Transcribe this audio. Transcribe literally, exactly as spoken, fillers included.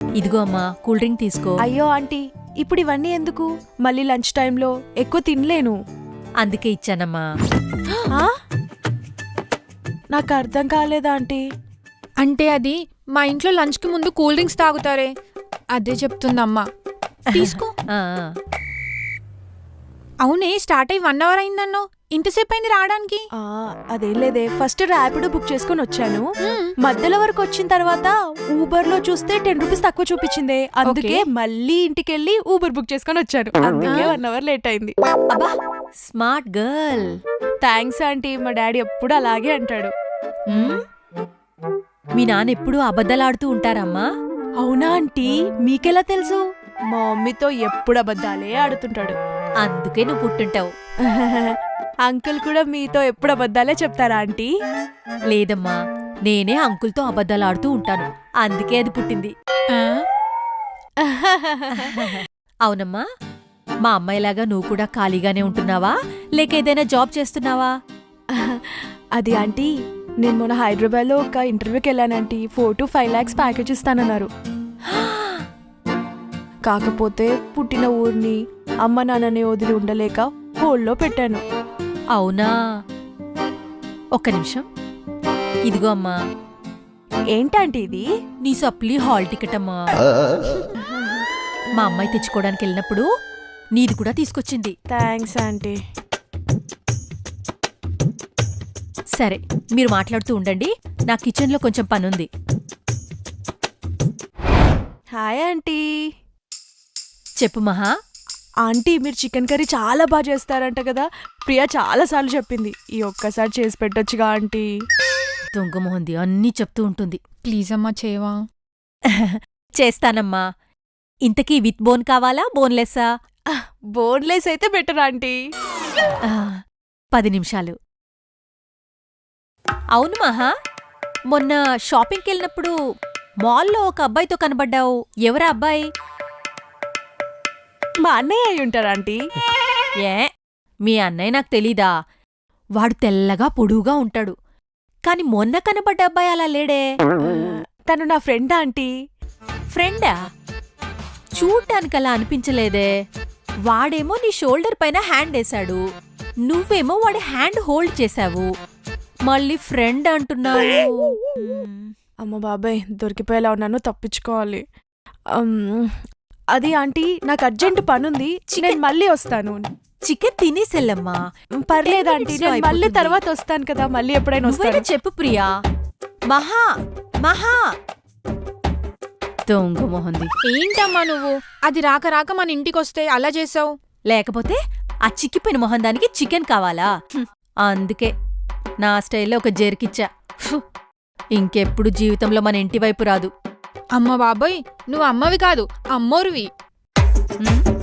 ఇదిగో అమ్మా cool drink తీసుకో. అయ్యో ఆంటీ, ఇప్పుడు ఇవన్నీ ఎందుకు? మళ్ళీ లంచ్ టైంలో ఎక్కువ తినలేను. అందుకే ఇచ్చానమ్మా. ఆ? నాకు అర్థం కాలేదా ఆంటీ? అంటే అది మా ఇంట్లో లంచ్కి ముందు కూల్ డ్రింక్స్ తాగుతారే, అదే చెప్తుందమ్మా. తీసుకో. ఆ, అవునే, స్టార్ట్ అయ్యి వన్ అవర్ అయిందన్నో, ఇంతసేపు అయింది రావడానికి? ఆ, అదేం లేదే, ఫస్ట్ ర్యాపిడో బుక్ చేసుకుని వచ్చాను. మధ్యలో వరకు వచ్చిన తర్వాత ఊబర్ లో చూస్తే టెన్ రూపీస్ తక్కువ చూపించింది. అందుకే మళ్ళీ ఇంటికి వెళ్ళి ఊబర్ బుక్ చేసుకుని వచ్చాను. అందుకే వన్ అవర్ లేట్ అయింది. అబ్బా స్మార్ట్ గర్ల్. థ్యాంక్స్ ఆంటీ, మా డాడీ ఎప్పుడు అలాగే అంటాడు. మీ నాన్న ఎప్పుడూ అబద్ధాలాడుతూ ఉంటారమ్మా? అవునా ఆంటీ, మీకెలా తెలుసు? మా మమ్మీతో ఎప్పుడు అబద్ధాలే ఆడుతుంటాడు. అందుకే నువ్వు పుట్టుంటావు. అంకుల్ కూడా మీతో ఎప్పుడు అబద్ధాలే చెప్తారా ఆంటీ? లేదమ్మా, నేనే అంకుల్తో అబద్ధాలాడుతూ ఉంటాను, అందుకే అది పుట్టింది. అవునమ్మా, మా అమ్మాయిలాగా నువ్వు కూడా ఖాళీగానే ఉంటున్నావా, లేక ఏదైనా జాబ్ చేస్తున్నావా? అది ఆంటీ, నేను మొన్న హైదరాబాద్ లో ఒక ఇంటర్వ్యూకి వెళ్ళానంటీ. Four to five lakhs package ఇస్తానన్నారు. కాకపోతే పుట్టిన ఊరిని అమ్మ నాన్నని వదిలి ఉండలేక హోల్డ్లో పెట్టాను. అవునా, ఒక్క నిమిషం. ఇదిగో అమ్మా. ఏంటంటే ఇది? నీ సప్లీ హాల్ టికెట్ అమ్మా. మా అమ్మాయి తెచ్చుకోవడానికి వెళ్ళినప్పుడు నీది కూడా తీసుకొచ్చింది. Thanks aunty. సరే, మీరు మాట్లాడుతూ ఉండండి, నా కిచెన్లో కొంచెం పనుంది. Hi aunty. చెప్పు మహా. ఆంటీ, మీరు చికెన్ కర్రీ చాలా బాగా చేస్తారంట కదా, ప్రియా చాలా సార్లు చెప్పింది. ఈ ఒక్కసారి చేసి పెట్టొచ్చుగా ఆంటీ? దొంగ మొహంది, అన్నీ చెప్తూ ఉంటుంది. ప్లీజ్ అమ్మా, చేయవా? చేస్తానమ్మా. ఇంతకీ విత్ బోన్ కావాలా, బోన్లెస్సా? బోన్లెస్ అయితే బెటర్ ఆంటీ. పది నిమిషాలు. అవును మహా, మొన్న షాపింగ్కి వెళ్ళినప్పుడు మాల్లో ఒక అబ్బాయితో కనబడ్డావు. ఎవరా అబ్బాయి? మా అన్నయ్య అయి ఉంటారు ఆంటీ. ఏ, మీ అన్నయ్య నాకు తెలీదా? వాడు తెల్లగా పొడువుగా ఉంటాడు, కాని మొన్న కనబడ్డ అబ్బాయి అలా లేడే. తను నా ఫ్రెండ్ ఆంటీ. ఫ్రెండా? చూడ్డానికలా అనిపించలేదే. వాడేమో నీ షోల్డర్ పైన హ్యాండ్ వేశాడు, నువ్వేమో వాడి హ్యాండ్ హోల్డ్ చేశావు, మళ్ళీ ఫ్రెండ్ అంటున్నావు. అమ్మ బాబాయ్, దొరికిపోయేలా ఉన్నాను, తప్పించుకోవాలి. అది ఆంటీ, నాకు అర్జెంట్ పనుంది, నేను మళ్ళీ వస్తాను. చికెన్ తినేసెల్లమ్మా. పర్లేదు ఆంటీ, నేను మళ్ళీ తర్వాత వస్తాను కదా, మళ్ళీ ఎప్పుడైనా వస్తాను. చెప్పు ప్రియా. మహా మహా దొంగ మొహంది. ఏంటమ్మా నువ్వు, అది రాక రాక మన ఇంటికొస్తే అలా చేసావు? లేకపోతే ఆ చిక్కిపోయిన మొహం దానికి చికెన్ కావాలా? అందుకే నా స్టైల్లో ఒక జెర్కిచ్చా. ఇంకెప్పుడు జీవితంలో మన ఇంటి వైపు రాదు. అమ్మ బాబోయ్, నువ్వు అమ్మవి కాదు, అమ్మోరువి.